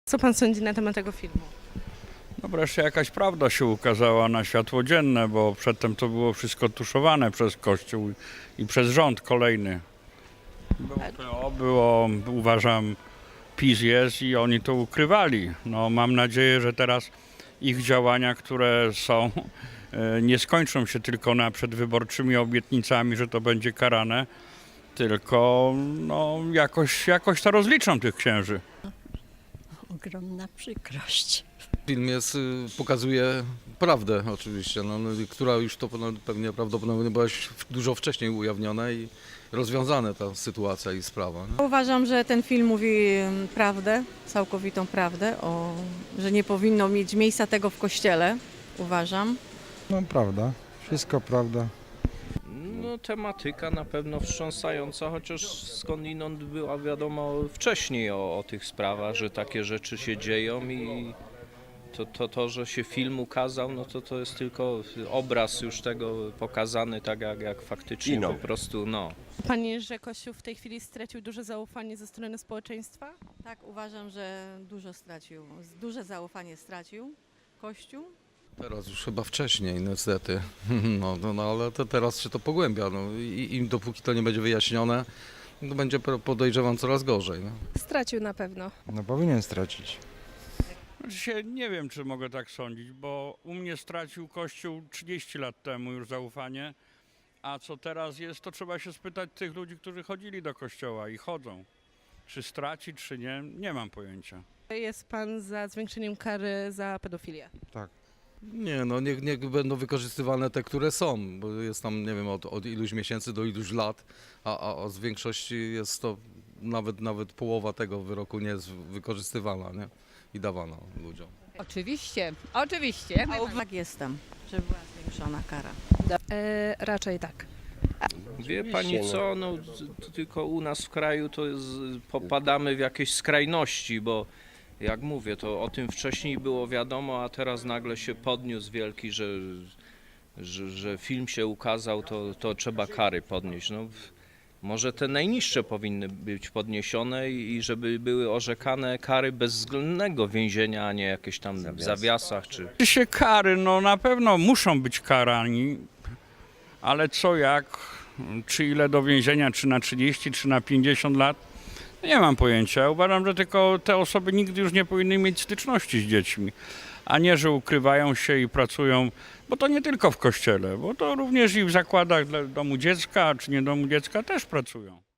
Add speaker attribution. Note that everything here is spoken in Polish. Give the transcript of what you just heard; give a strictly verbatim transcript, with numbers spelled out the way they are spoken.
Speaker 1: Co pan sądzi na temat tego filmu?
Speaker 2: No wreszcie jakaś prawda się ukazała na światło dzienne, bo przedtem to było wszystko tuszowane przez Kościół i przez rząd kolejny. Było, P O, było, uważam, PiS jest i oni to ukrywali. No, mam nadzieję, że teraz ich działania, które są, nie skończą się tylko na przedwyborczymi obietnicami, że to będzie karane, tylko no, jakoś, jakoś to rozliczą tych księży.
Speaker 3: Ogromna przykrość.
Speaker 4: Film jest, y, pokazuje prawdę oczywiście, no, no, która już to pewnie prawdopodobnie była już dużo wcześniej ujawniona i rozwiązana ta sytuacja i sprawa. Nie?
Speaker 5: Uważam, że ten film mówi prawdę, całkowitą prawdę, o, że nie powinno mieć miejsca tego w kościele, uważam.
Speaker 6: No prawda, wszystko prawda.
Speaker 7: No tematyka na pewno wstrząsająca, chociaż skądinąd była wiadomo wcześniej o, o tych sprawach, że takie rzeczy się dzieją i to, to, to, że się film ukazał, no to to jest tylko obraz już tego pokazany tak jak, jak faktycznie
Speaker 8: Kino.
Speaker 7: po prostu, no.
Speaker 1: Pani, że Kościół w tej chwili stracił duże zaufanie ze strony społeczeństwa?
Speaker 5: Tak, uważam, że dużo stracił, duże zaufanie stracił Kościół.
Speaker 4: Teraz już chyba wcześniej niestety, no, no, no ale to teraz się to pogłębia no, i, i dopóki to nie będzie wyjaśnione, to będzie podejrzewam coraz gorzej. No.
Speaker 9: Stracił na pewno.
Speaker 6: No powinien stracić.
Speaker 2: Znaczy, nie wiem, czy mogę tak sądzić, bo u mnie stracił Kościół trzydzieści lat temu już zaufanie, a co teraz jest, to trzeba się spytać tych ludzi, którzy chodzili do kościoła i chodzą. Czy straci, czy nie, nie mam pojęcia.
Speaker 1: Jest pan za zwiększeniem kary za pedofilię?
Speaker 6: Tak.
Speaker 4: Nie, no niech, niech będą wykorzystywane te, które są, bo jest tam, nie wiem, od, od iluś miesięcy do iluś lat, a, a, a z większości jest to nawet, nawet połowa tego wyroku nie jest wykorzystywana, nie? I dawana ludziom.
Speaker 3: Oczywiście, oczywiście.
Speaker 5: Tak jestem, żeby była zwiększona kara.
Speaker 9: E, raczej tak.
Speaker 7: Wie pani
Speaker 8: Oczywiście,
Speaker 7: co, no t- tylko u nas w kraju to jest, popadamy w jakieś skrajności, bo jak mówię, to o tym wcześniej było wiadomo, a teraz nagle się podniósł wielki, że, że, że film się ukazał, to, to trzeba kary podnieść. No, może te najniższe powinny być podniesione i i żeby były orzekane kary bezwzględnego więzienia, a nie jakieś tam w zawiasach czy...
Speaker 2: Się kary, no na pewno muszą być karani, ale co jak, czy ile do więzienia, czy na trzydzieści, czy na pięćdziesiąt lat, nie mam pojęcia. Uważam, że tylko te osoby nigdy już nie powinny mieć styczności z dziećmi, a nie, że ukrywają się i pracują, bo to nie tylko w kościele, bo to również i w zakładach dla domu dziecka, czy nie domu dziecka też pracują.